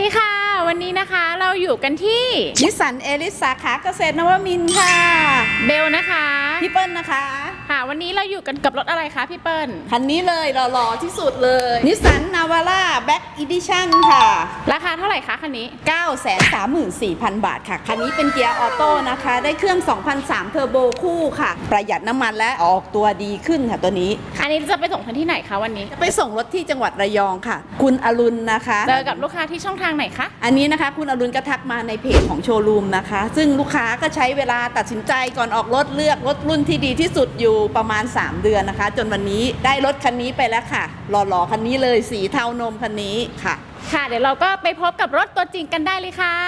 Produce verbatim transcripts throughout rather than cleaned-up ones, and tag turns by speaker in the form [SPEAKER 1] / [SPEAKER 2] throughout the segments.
[SPEAKER 1] ดีค่ะวันนี้นะคะเราอยู่กันที่
[SPEAKER 2] นิสสันเอลิสสาขาเกษตรนวมินทร์ค่ะ
[SPEAKER 1] เบลนะคะ
[SPEAKER 2] พี่เปิ้ลนะคะ
[SPEAKER 1] ค่ะวันนี้เราอยู่กันกับรถอะไรคะพี่เปิ้ล
[SPEAKER 2] คันนี้เลยหล่อๆที่สุดเลยนิสสันนาวาร่าแบ็กอีดิชั่นค่ะ
[SPEAKER 1] ราคาเท่าไหร่คะคันนี้
[SPEAKER 2] เก้าแสนสามหมื่นสี่พัน บาทค่ะคันนี้เป็นเกียร์ออโต้นะคะได้เครื่อง สองพันสามร้อย เทอร์โบคู่ค่ะประหยัดน้ำมันและออกตัวดีขึ้นค่ะตัวนี้
[SPEAKER 1] อันนี้จะไปส่งกันที่ไหนคะวันนี้
[SPEAKER 2] จะไปส่งรถที่จังหวัดระยองค่ะคุณอรุณนะคะ
[SPEAKER 1] เจอกับลูกค้าที่ช่องทางไหนคะ
[SPEAKER 2] อันนี้นะคะคุณอรุณก็ทักมาในเพจของโชว์รูมนะคะซึ่งลูกค้าก็ใช้เวลาตัดสินใจก่อนออกรถเลือกรถรุ่นที่ดีที่สุดอยู่ประมาณสามเดือนนะคะจนวันนี้ได้รถคันนี้ไปแล้วค่ะหล่อๆคันนี้เลยสีเทานมคันนี้ค่ะ
[SPEAKER 1] ค่ะเดี๋ยวเราก็ไปพบกับรถตัวจริงกันได้เลยค่ะ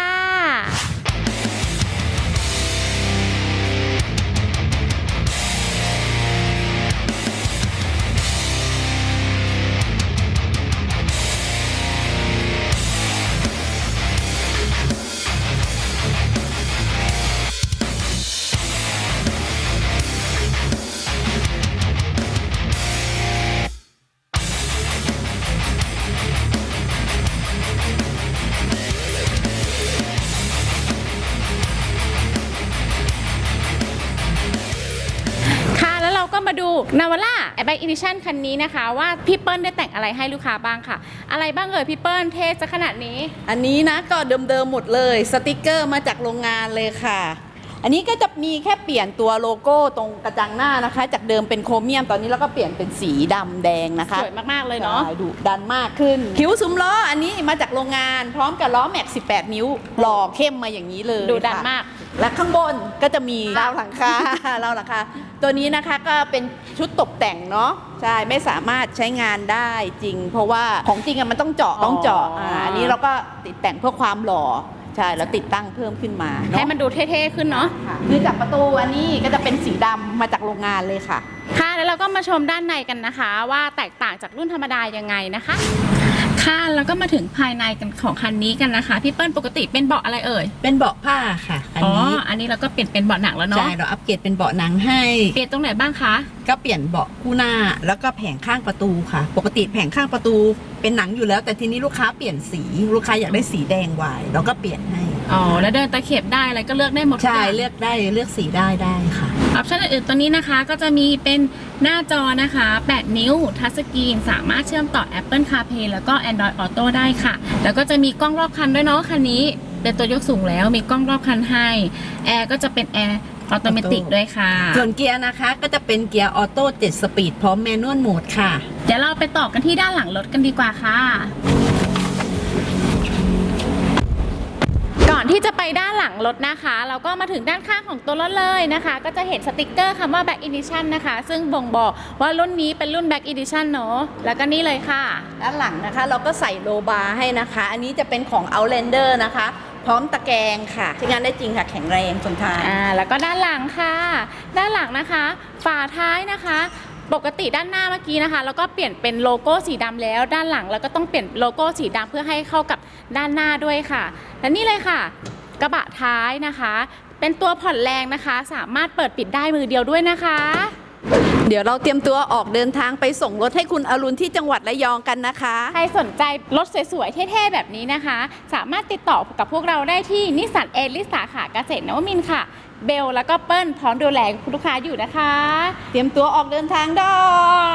[SPEAKER 1] ก็มาดู Navara Black Edition คันนี้นะคะว่าพี่เปิ้ลได้แต่งอะไรให้ลูกค้าบ้างค่ะอะไรบ้างเอ่ยพี่เปิ้ลเท่ซะขนาดนี้
[SPEAKER 2] อันนี้นะก็เดิมๆหมดเลยสติกเกอร์มาจากโรงงานเลยค่ะอันนี้ก็จะมีแค่เปลี่ยนตัวโลโก้ตรงกระจังหน้านะคะจากเดิมเป็นโครเมียมตอนนี้เราก็เปลี่ยนเป็นสีดำแดงนะคะ
[SPEAKER 1] สวยมากๆเลยเนาะ
[SPEAKER 2] ดุดันมากขึ้นคิ้วซุ้มล้ออันนี้มาจากโรงงานพร้อมกับล้อแม็กสิบแปดนิ้วหล่อเข้มมาอย่างนี้เลย
[SPEAKER 1] ดุดันมาก
[SPEAKER 2] และข้างบนก็จะมีราวหลังคาราวหลังคาตัวนี้นะคะก็เป็นชุดตกแต่งเนาะใช่ไม่สามารถใช้งานได้จริงเพราะว่าของจริงอะมันต้องเจาะต้องเจาะอ่าอันนี้เราก็ติดแต่งเพื่อความหล่อใช่แล้วติดตั้งเพิ่มขึ้นมา
[SPEAKER 1] ให้มันดูเท่ๆขึ้นเนาะ
[SPEAKER 2] คือจากประตูอันนี้ก็จะเป็นสีดำมาจากโรงงานเลยค่ะ
[SPEAKER 1] ค่ะแล้วเราก็มาชมด้านในกันนะคะว่าแตกต่างจากรุ่นธรรมดายังไงนะคะค่ะแล้วก็มาถึงภายในกันของคันนี้กันนะคะพี่เปิ้ลปกติเป็นเบาะอะไรเอ่ย
[SPEAKER 2] เป็นเบาะผ้าค่ะอันนี้
[SPEAKER 1] อ๋ออันนี้เราก็เปลี่ยนเป็นเบาะหนังแล้วเนาะ
[SPEAKER 2] ใช่เราอัปเกรดเป็นเบาะหนังให้
[SPEAKER 1] เปลี่ยนตรงไหนบ้างคะ
[SPEAKER 2] ก็เปลี่ยนเบาะคู่หน้าแล้วก็แผงข้างประตูค่ะปกติแผงข้างประตูเป็นหนังอยู่แล้วแต่ทีนี้ลูกค้าเปลี่ยนสีลูกค้าอยากได้สีแดงวายเราก็เปลี่ยนให้
[SPEAKER 1] อ๋อแล้วเดินตะเข็บได้อะไรก็เลือกได้หมด
[SPEAKER 2] ใช่เลือกได้เลือกสีได้ได้ค่ะ
[SPEAKER 1] ออปชั่นอื่นๆตัวนี้นะคะก็จะมีเป็นหน้าจอนะคะแปดนิ้วทัชสกรีนสามารถเชื่อมต่อ Apple CarPlay แล้วก็ Android Auto ได้ค่ะแล้วก็จะมีกล้องรอบคันด้วยเนาะคันนี้เป็นตัวยกสูงแล้วมีกล้องรอบคันให้แอร์ก็จะเป็นแอร์ออโตเมติกด้วยค่ะ
[SPEAKER 2] ส่วนเกียร์นะคะก็จะเป็นเกียร์ออโต้เจ็ดสปีดพร้อมแมนนวลโหมดค่ะ
[SPEAKER 1] เดี๋ยวเราไปต่อกันที่ด้านหลังรถกันดีกว่าค่ะก่อนที่จะไปด้านหลังรถนะคะเราก็มาถึงด้านข้างของตัวรถเลยนะคะก็จะเห็นสติกเกอร์คำว่า Black Edition นะคะซึ่งบ่งบอกว่ารุ่นนี้เป็นรุ่น Black Edition เนาะแล้วก็นี่เลยค่ะ
[SPEAKER 2] ด้านหลังนะคะเราก็ใส่โลบาร์ให้นะคะอันนี้จะเป็นของ Outlander นะคะพร้อมตะแกรงค่ะใช้งานได้จริงค่ะแข็งแรงทนทาน
[SPEAKER 1] อ่าแล้วก็ด้านหลังค่ะด้านหลังนะคะฝาท้ายนะคะปกติด้านหน้าเมื่อกี้นะคะแล้วก็เปลี่ยนเป็นโลโก้สีดำแล้วด้านหลังแล้วก็ต้องเปลี่ยนโลโก้สีดำเพื่อให้เข้ากับด้านหน้าด้วยค่ะและนี่เลยค่ะกระบะท้ายนะคะเป็นตัวผ่อนแรงนะคะสามารถเปิดปิดได้มือเดียวด้วยนะคะ
[SPEAKER 2] เดี๋ยวเราเตรียมตัวออกเดินทางไปส่งรถให้คุณอรุณที่จังหวัดระยองกันนะคะ
[SPEAKER 1] ใครสนใจรถสวยๆเท่ๆแบบนี้นะคะสามารถติดต่อกับพวกเราได้ที่นิสสันเอลิสสาขาเกษตรนวมินทร์ค่ะเบลแล้วก็เปิ้ลพร้อมดูแลคุณลูกค้าอยู่นะคะ
[SPEAKER 2] เตรียมตัวออกเดินทางได้